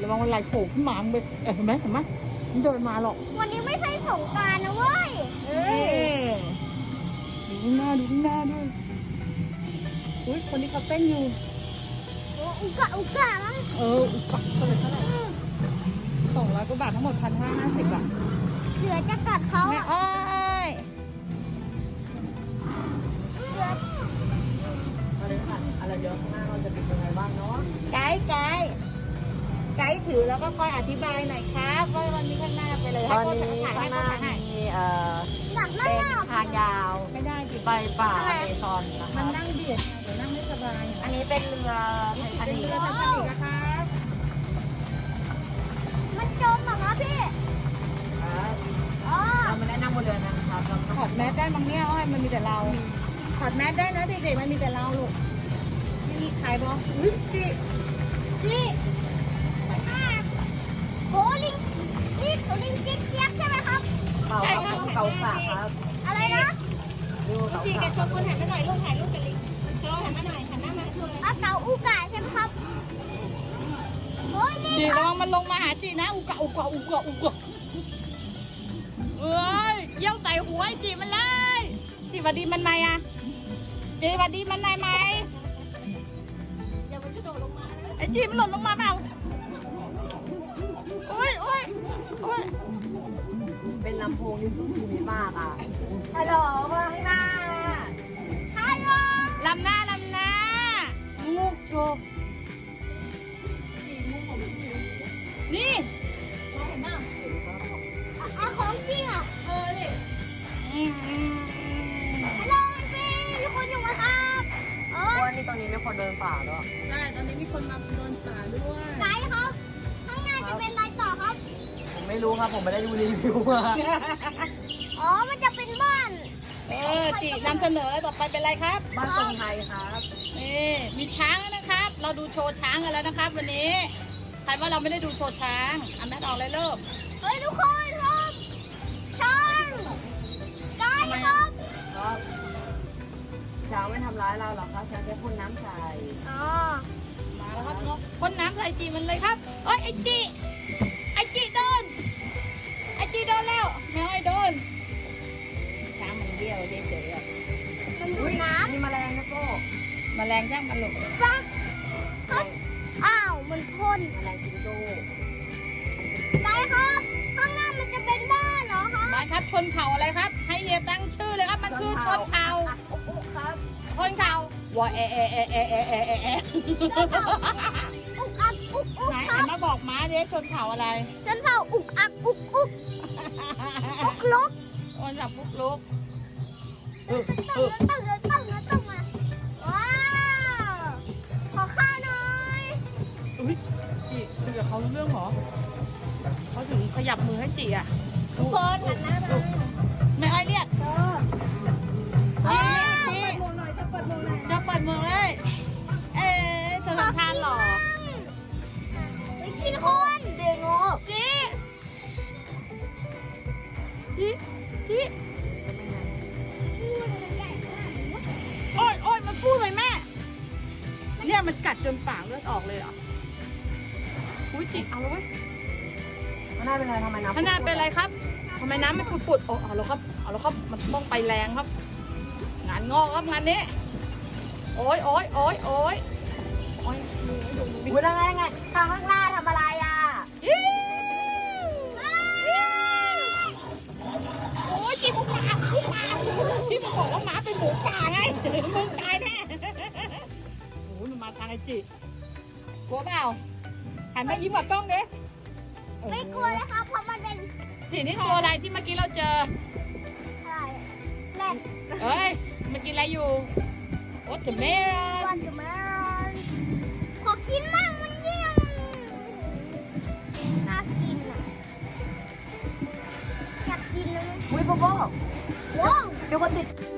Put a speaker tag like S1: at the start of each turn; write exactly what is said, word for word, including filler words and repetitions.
S1: ระวังวันไหลโผล่ขึ้นมามึงไปเห็นไหมเห็นไหมมันเดินมาหรอก
S2: วันนี้ไม่ใช่สงกรานต์นะเว้ย
S1: เอ้ยดูข้างหน้าดูข้างหน้าด้วยอุ้ยคนนี้เขาเต้นอยู่
S2: โอ้อุกะอุกะมั้ง
S1: เอออุกะเท่าไหร่เท่าไหร่สองร้อยกว่าบาททั้งหมดพันห้าห้าสิบบาท
S2: เสือจะกัดเขา
S1: แม่
S2: อะ
S1: อ้อย
S2: เสือ
S3: อะไรค่ะอะไรเดี๋ยวข้างหน้าเราจะเป็นยังไงบ้างเนาะ
S1: ไกด์ไกด์ไกด์ถือแล้วก็คอยอธิบายหน่อยครับว่าวันนี้ข้างหน้าไปเลย
S3: ต
S1: ให้
S3: อน
S1: โค้ช
S3: นี้
S1: ถ่าย
S3: ข้า
S1: ให้
S3: งห
S1: โค้
S3: น้า
S1: ชถ่ายให้
S3: มีเอ่อ
S2: อยากนั่ง
S3: เป็น
S2: หน้า
S3: ทางยาว
S1: ไม่ได้ดิ
S3: ไปป่าอเมซอนนะ
S1: มัน
S3: คะ
S1: นั่งเบียดเดี๋ยวนั่งไม่สบาย
S3: อันนี้เป็นเรือไททา
S1: เป็น
S3: นิค
S1: เรือไททานิคนะครับ
S2: มันจมเหรอคะพี่
S3: ครับ
S2: อ๋อ
S3: เราไม่ได้นั่งบนเรือนะครับเรา
S1: ถอดแมสได้มั้งเนี่ยอ้อยมันมีแต่เราถอดแมสได้นะเด็กๆมันมีแต่เราลูกไม่มีใครบอกอุ๊ยจิ
S2: จีอ่าโหลิงจีโหลิงจิ๊กเจี๊ยบใช่ไหมครับ
S3: เต่าเต่าสากครับ
S2: อะไรนะ
S3: ดูเต่า
S4: จี
S3: สา
S4: แก
S3: ก
S4: ชวนคนหันมาหน่อยลูกถ่ายรูปกันเลยเธอหันมาหน่อยหันหน้ามาชวน
S2: อาเก๋าอุกะใช่ไหมครับโอ้ยลิง
S1: จิ
S2: ค
S1: ระ
S2: รับ
S1: วังมันลงมาหาจินะอุกะอุกะอุกะอุกะเอ้ยเยี่ยวใส่หัวไอ้จิมันเลยจิหวัดดีมันไหมอะจิหวัดดีมันไหมไหม
S4: อย่ามันกระโดดลงมานะ
S1: ไอ้จิมันหล่นลงมาเปล่าโอ้ยโอ้ยโอ้ย
S3: เป็นลำโพงที่สุดที่มากอ่ะฮัลโหลข้างหน้า
S2: ฮัลโหล
S1: ลำหน้าลำหน้างูโชว์
S4: จีมุ้งผมจี
S1: นี่
S4: มองเห็นบ้าง
S2: อ่ะของจริงอ่ะ
S4: เออดิ
S1: อืมอืมอืม
S2: ฮัลโหลพี่มีคนอยู่ไหมครับเอ
S3: เพ
S2: อ
S3: ราะว่านี่ตอนนี้มีคนเดินป่าด้วย
S1: ใช่ตอนนี้มีคนมาเดินป่าด้วย
S2: ไกด์ครับ ข้างหน้าจะเป็นอะไรต่อครับ
S3: ผมไม่รู้ครับผมไม่ได้ดูรีวิวมา
S2: อ๋อ มันจะเป็นบ้าน
S1: เออจินำเสนอต่อไปเป็นอะไรครับ
S3: บ้านทรงไทยครับ
S1: นี่มีช้างแล้วนะครับ เราดูโชว์ช้างกันแล้วนะครับ วันนี้ใครว่าเราไม่ได้ดูโชว์ช้างอันแม่ออกเลยเริ่ม
S2: เฮ้ยทุกคนครับช้างไกด์ครับ
S3: ครับช้างไม่ทำร้ายเราหรอกครับช้างแค่พ่นน้ำใส่
S2: อ๋อ
S1: มาแล้วครับเนาะพ่นน้ำใส่จีมันเลยครับเอ้ยไอจีไอจีโดนไอจีโดนแล้วแมวไอโดนช้างมันเบี้ยวเฉยๆอ่ะ
S2: มันดูดน้
S3: มีแมลงนะโก้
S1: แมลงช่างมันหลง
S2: ำจ้ะครับอ้าว มันพ่น
S3: แมลงจิงโจ้
S2: ไกด์ครับ ข้างหน้ามันจะเป็นบ้านเหรอคะ
S1: บ้านครับชนเผ่าอะไรครับ ให้เฮียตั้งชื่อเลยครับมันคือชนเผ่า
S3: โอ้โหครับ
S1: ชนเผ่าวอเอเอเอเอเอเอเอเอ
S2: อุกอักอุกอุก
S1: ไหน
S2: ค
S1: หั
S2: รั
S1: น
S2: บ
S1: มาบอกม้าดิชนเผ่าอะไร
S2: ฉันเผาอุกอักอุกอุกอุกลุก
S1: วันจับปุ๊กลุก
S2: ตึ้งตึ้งตึ้งตึ้งตึ้งมาว้าว ขอข้าวหน่อย
S1: อุ้ยจีคุยกับเขารู้เรื่องเหรอเขาถึงขยับมือให้จีอ่ะ
S4: ทุกคนหันหน้ามา
S1: ไม่ไอเรียก
S4: เออ
S1: เอ้ยจี
S4: หมวกหน่อยจะเปิดหมวกหน่อย
S1: จะเปิดเมืองเลย เอ๊ะเธอทำทานเหรอ
S2: ไปกินคนเด็กงู
S1: จีจีจีโอ้ยโอ้ยมันพูดเลยแม่ เนี่ยมันกัดจนปากเลือดออกเลยเหรอ อุ้ยจิเอาเลยเว้ย
S3: มันน่าเป็นไรทำไมน้ำ
S1: พนาเป็นไรครับทำไมน้ำมันปุดๆโอ้เอาแล้วครับ เอาแล้วครับ มันต้องไปแรงครับ งานงอกครับงานนี้ โอ้ยโอ้ยโอ้ยโอ้ยโอ้ยดูดูดู
S3: อุ้ยได้ไงไงทางข้างหน้าทำอะไรอ่ะ
S1: อิ๊วโอ้ยจีบหมาจีบหมาที่มันบอกว่าหมาเป็นหมูป่าไงมึงตายแน่โอ้ยมันมาทางไอจีกลัวเปล่าหันมายิ้มกับกล้องดิ
S2: ไม่กลัวเลยครับ เพราะมันเป็น
S1: จีนี่ตัวอะไรที่เมื่อกี้เราเจอ
S2: อะไรแรด
S1: เอ้ยเมื่อกี้อะไรอยู่โอ้แต่เมรอ
S2: วัน
S1: น
S2: จะมาขอกินมั่งมันยิ่งน่ากินอ่ะ อยากกินนะ
S3: อุ้ยโบโบ
S2: ว้าว
S3: เดี๋ยวคนติด